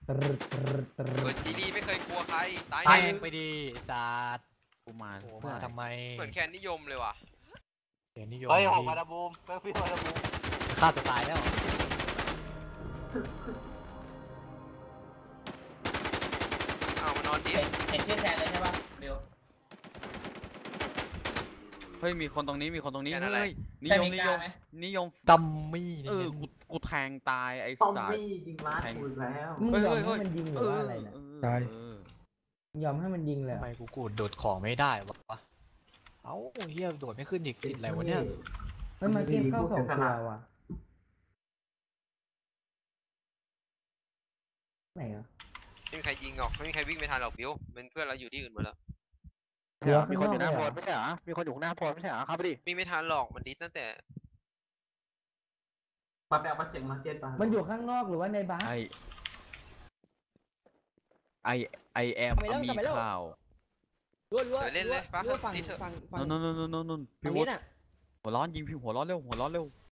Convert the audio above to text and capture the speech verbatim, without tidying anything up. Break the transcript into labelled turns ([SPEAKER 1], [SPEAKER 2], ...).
[SPEAKER 1] ตรึดตรึดตรึ
[SPEAKER 2] เปิด
[SPEAKER 1] ด
[SPEAKER 2] จีดีไม่เคยกลัวใครตาย
[SPEAKER 3] ตาย
[SPEAKER 2] หนึ่ง
[SPEAKER 3] ไปดีศาสตร์
[SPEAKER 4] กูมา
[SPEAKER 3] โอ้
[SPEAKER 4] เพื่อ
[SPEAKER 3] มา
[SPEAKER 4] อะไร
[SPEAKER 3] ทำไม
[SPEAKER 2] เหมือนแคนนิยมเลยว่ะ
[SPEAKER 3] เดี๋ยวนิยม
[SPEAKER 5] เฮ้ยหก
[SPEAKER 3] ดี
[SPEAKER 5] มาดาบูมเพื่อนพี่มาดาบูม
[SPEAKER 3] ฆ่าตัวตายแล้ว
[SPEAKER 2] เอามานอนดิ
[SPEAKER 6] เห็นเห็นชื่อแทนเลยใช่ป่ะบิว
[SPEAKER 4] เฮ้ยมีคนตรงนี้มีคนตรงนี้
[SPEAKER 2] แค่นั้นแหละ
[SPEAKER 4] เฮ้ยนิ
[SPEAKER 6] แต่
[SPEAKER 4] ยม
[SPEAKER 6] มี
[SPEAKER 4] นิ
[SPEAKER 6] ก
[SPEAKER 4] ย
[SPEAKER 6] ล้าม ไหม
[SPEAKER 4] นิยม
[SPEAKER 3] ดัมมี่
[SPEAKER 4] เออกูกูแทงตายไอ้
[SPEAKER 7] ซอม
[SPEAKER 4] สัตว์
[SPEAKER 7] บี้ยิงล้านกูอีกแล้ว
[SPEAKER 1] มึง
[SPEAKER 4] เฮ้ย
[SPEAKER 1] ยอม
[SPEAKER 4] เฮ้ย
[SPEAKER 1] ให้มันยิงหรือว่าอะไรนะ
[SPEAKER 4] ใช่เออย
[SPEAKER 1] อมให้มันยิงเลย
[SPEAKER 3] ทำ
[SPEAKER 1] เหร
[SPEAKER 3] ไม
[SPEAKER 1] อ
[SPEAKER 3] กูกูโดดของไม่ได้วะเอ้าเฮียโดดไม่ขึ้นอีกติดอะไรวะเนี่ย
[SPEAKER 1] เฮ้ยมาเก็บเข้าของตัวว่ะไหนอ่ะ
[SPEAKER 2] ไม่มีใครยิงหรอกไม่มีใครวิ่งไม่ทันหรอกบิวเป็นเพื่อนเราอยู่ที่อื่นหมดแล้ว
[SPEAKER 1] เดี๋ยว
[SPEAKER 8] มีคนอยู่หน้า
[SPEAKER 1] ข้ง
[SPEAKER 8] โพ
[SPEAKER 1] ก
[SPEAKER 8] ส
[SPEAKER 1] เล
[SPEAKER 8] ไม่ใช่เหรอ มีคนอยู่หน้าโพสไม่ใช่เหรอเข้าไปดิ
[SPEAKER 2] วิ่งไม่ทันหรอกมันดิสตั้งแต่
[SPEAKER 7] มาแปลว่าเสียงมาเก็ตป่ะ
[SPEAKER 1] มันอยู่ข้างนอกหรือว่าในบ้าน
[SPEAKER 4] ไอไอไอแอมมีข่าว
[SPEAKER 9] รัวรัว
[SPEAKER 2] เดี๋ยวเล่นเลยปะ
[SPEAKER 9] รัวฝั่ง
[SPEAKER 2] ดิสเถอะ
[SPEAKER 9] ฝั่งฝั่ง
[SPEAKER 4] นนนนนนนพี่
[SPEAKER 9] ฝั่ง
[SPEAKER 4] วุ
[SPEAKER 9] นี้
[SPEAKER 4] ฒิ
[SPEAKER 9] น่ะ
[SPEAKER 4] หัวร้อนยิงพี่หัวร้อนเร็วหัวร้อนเร็ว